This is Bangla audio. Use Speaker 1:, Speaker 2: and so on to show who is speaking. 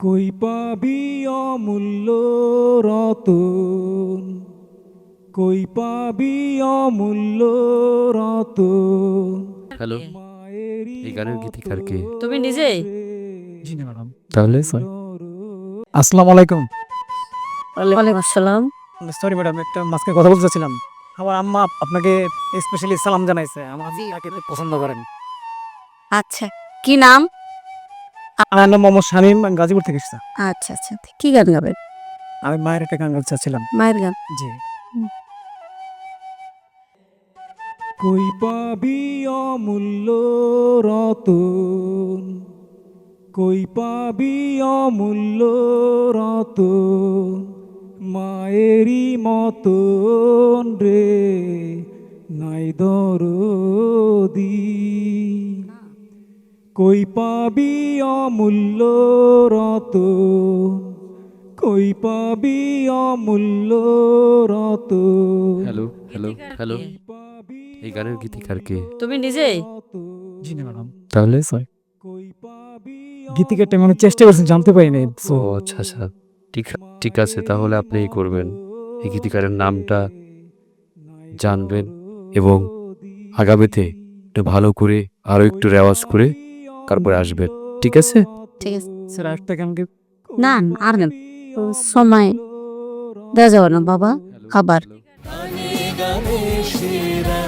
Speaker 1: কই পাবি অমূল্য রতন, কই পাবি অমূল্য রতন।
Speaker 2: হ্যালো, এই গানের গীতিকার কে?
Speaker 3: তুমি নিজেই?
Speaker 1: জি না ম্যাডাম।
Speaker 2: তাহলে
Speaker 1: আসসালামু আলাইকুম।
Speaker 3: ওয়ালাইকুম আসসালাম।
Speaker 1: সরি ম্যাডাম, একটা মাঝখানে কথা বলতে চাচ্ছিলাম। আমার আম্মা আপনাকে স্পেশালি সালাম জানাইছে। আমার আগে পছন্দ করেন।
Speaker 3: আচ্ছা, কি নাম?
Speaker 1: আমার নাম মোহাম্মদ শামীম, আমি গাজীপুর থেকে এসেছি।
Speaker 3: আচ্ছা আচ্ছা, কি গান গাবেন?
Speaker 1: আমি মায়ের একটা গান গাইতে চাচ্ছিলাম।
Speaker 3: মায়ের গান।
Speaker 1: জি। কই পাবি অমূল্য রতন, কই পাবি অমূল্য রতন, মায়েরই মতন রে নাই দরদি। কই পাবি অমূল্য রতন, কই পাবি অমূল্য রতন।
Speaker 2: হ্যালো হ্যালো হ্যালো, এই গানের গীতিকার কে?
Speaker 3: তুমি নিজেই?
Speaker 1: জি না ম্যাডাম।
Speaker 2: তাহলে
Speaker 1: গীতিকারটা আমি চেষ্টা করছি, জানতে পারিনি।
Speaker 2: ও আচ্ছা আচ্ছা, ঠিক ঠিক আছে, তাহলে আপনি এই করবেন, এই গীতিকারের নামটা জানবেন এবং আগামীতে একটু ভালো করে আরো একটু রেওয়াজ করে তারপরে আসবেন, ঠিক আছে?
Speaker 3: ঠিক আছে।
Speaker 1: স্যার একটা গান
Speaker 3: না আর গান সময় দেওয়া যাবে না বাবা, খাবার।
Speaker 4: গানে গানে সেরা